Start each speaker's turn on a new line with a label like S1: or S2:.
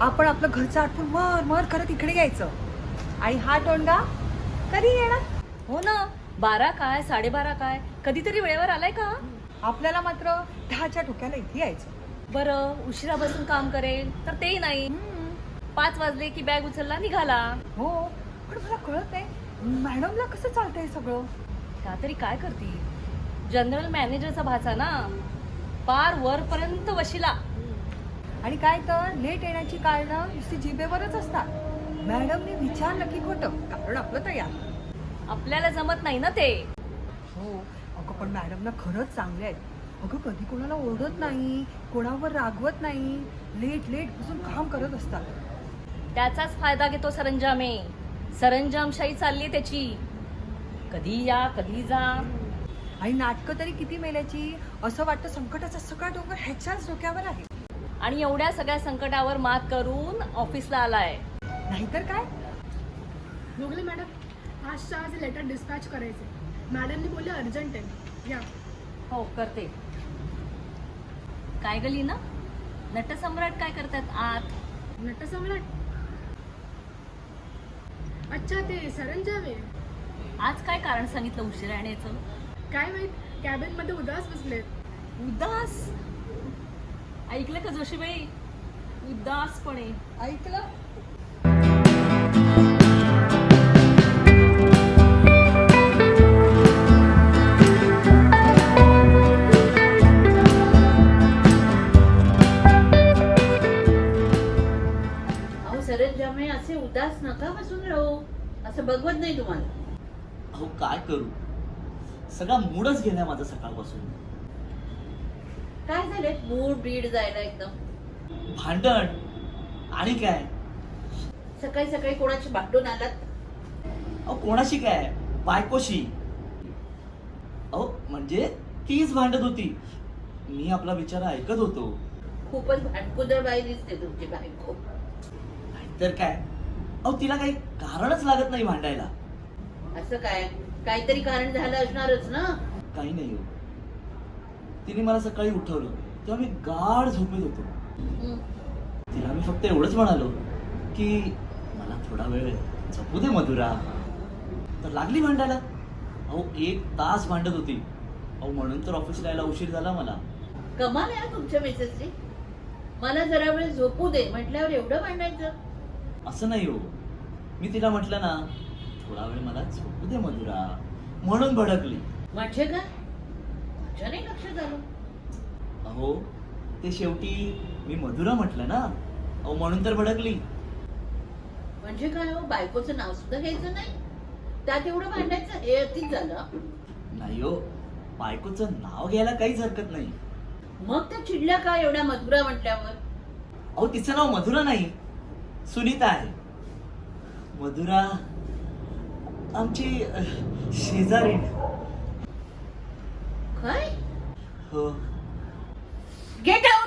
S1: आपण आपलं घरचं आठवून मर मर करत इकडे यायचं. आणि हा टोंडा कधी येणार?
S2: हो ना, 12 काय 12:30 काय कधीतरी वेळेवर आलाय का?
S1: आपल्याला मात्र 10च्या ठोक्याला इथे यायचं.
S2: बरं उशिरा बसून काम करेल तर तेही नाही. 5 वाजले की बॅग उचलला निघाला.
S1: हो, पण मला कळत नाही मॅडमला कसं चालतंय सगळं.
S2: त्या तरी काय करती, जनरल मॅनेजरचा भाचा ना, पार वरपर्यंत वशिला.
S1: आणि काय तर लेट येण्याची कारणं नुसती जिभेवरच असतात. मॅडमने विचारलं की खोटं, कारण आपलं तयार.
S2: आपल्याला जमत नाही ना ते.
S1: हो, अगं पण मॅडम ना खरंच चांगले आहेत. अगं कधी कोणाला ओरडत नाही, कोणावर रागवत नाही, लेट बसून काम करत असतात.
S2: त्याचाच फायदा घेतो सरंजामे. सरंजामशाही चालली त्याची. कधी या कधी जा.
S1: आणि नाटकं तरी किती मेल्याची. असं वाटतं संकटाचा सगळा डोंगर ह्याच्याच डोक्यावर आहे.
S2: आणि एवढ्या सगळ्या संकटावर मात करून ऑफिसला आलाय.
S1: नाहीतर काय.
S3: मोगले मॅडम, आजच्या आज लेटर डिस्पॅच करायचे. मॅडमनी बोलले अर्जंट आहे, या.
S2: हो करते. काय गली ना, नटसम्राट काय करतात आत?
S3: नटसम्राट? अच्छा, ते सरंजाम आहे.
S2: आज काय कारण सांगितलं उशिरा येण्याचं?
S3: काय माहित, कॅबिन मध्ये उदास बसलेत.
S2: उदास? ऐकलं का जोशीबाई? उदासपणे
S1: ऐकलं.
S4: अहो सरंजामे, असे उदास नका बसून राहू. असं बघवत नाही तुम्हाला.
S5: अहो काय करू, सगळा मूडच गेलाय माझा सकाळपासून.
S4: काय झालंय मूड बीड जायला एकदम?
S5: भांडण आणि काय.
S4: सकाळी सकाळी कोणाची भांडून आलात?
S5: अहो कोणाशी काय, बायकोशी. अहो म्हणजे तीच भांडत होती, मी आपला विचार ऐकत होतो.
S4: खूपच भांडकुदळ बाई दिसते तुमची बायको.
S5: तर काय, अहो तिला काही कारणच लागत नाही भांडायला.
S4: असं काय, काहीतरी कारण झालं असणारच ना.
S5: काही नाही हो, तिने मला सकाळी उठवलं तेव्हा मी गाढ झोपेत होतो.
S4: हं.
S5: तिला मी फक्त एवढंच म्हणालो की मला थोडा वेळ झोपू दे मधुरा. तर लागली भांडायला. अहो 1 तास भांडत होती. अहो म्हणून तर ऑफिसला यायला उशीर झाला मला.
S4: कमाल आहे तुमच्या मेसेजची. मला जरा वेळ झोपू दे म्हटल्यावर एवढं भांडायचं?
S5: असं नाही हो, मी तिला म्हटलं ना थोडा वेळ मला झोपू दे मधुरा, म्हणून भडकली.
S4: म्हणजे काय? माझ्या नाही लक्षात आलं.
S5: अहो ते शेवटी मी मधुरा म्हटलं ना, अहो म्हणून तर भडकली.
S4: म्हणजे काय हो, बायकोचं नाव सुद्धा घ्यायचं नाही, त्यात एवढं भांडायचं? हे अतिच झालं.
S5: नाही हो, बायकोचं नाव घ्यायला काहीच हरकत नाही.
S4: मग त्या चिडल्या का एवढ्या मधुरा म्हटल्यावर?
S5: अहो तिचं नाव मधुरा नाही, सुनीता आहे. मधुरा आमची शेजारीण.
S4: काय?
S5: हो.
S4: Get out.